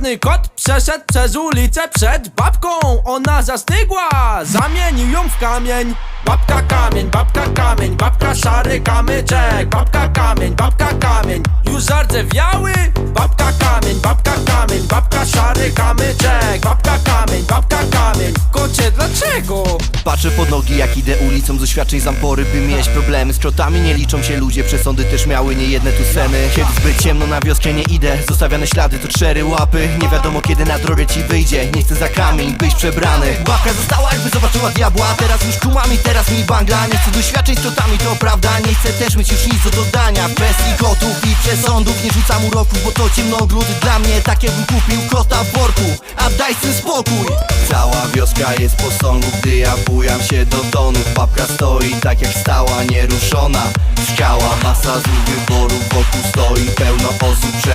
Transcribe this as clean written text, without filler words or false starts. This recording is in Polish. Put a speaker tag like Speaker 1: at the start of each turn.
Speaker 1: Czarny kot przeszedł przez ulicę przed babką. Ona zastygła, zamienił ją w kamień. Babka kamień, babka kamień, babka szary kamyczek. Babka kamień, babka kamień, już zardzewiały. Babka kamień, babka kamień, babka szary kamyczek. Babka kamień, babka kamień, kocie dlaczego?
Speaker 2: Patrzę pod nogi jak idę ulicą, z doświadczeń zampory by mieć problemy. Z czotami nie liczą się ludzie, przesądy też miały niejedne tu sceny. Kiedy zbyt ciemno na wioskę nie idę, zostawiane ślady to 4 łapy. Nie wiadomo kiedy na drogę ci wyjdzie, nie chcę za kamień być przebrany. Babka została jakby zobaczyła diabła, teraz już kumami, teraz mi bangla. Nie chcę doświadczeń z czotami, to prawda, nie chcę też mieć już nic do dodania. Kwestii kotów i przesądów, nie rzucam uroków, bo to ciemnogród dla mnie tak jakbym kupił kota w worku. A daj ten spokój. Cała wioska jest po sągu, gdy ja bujam się do tonów. Babka stoi tak jak stała, nieruszona skała. Masa złych wyborów, wokół stoi pełno osób.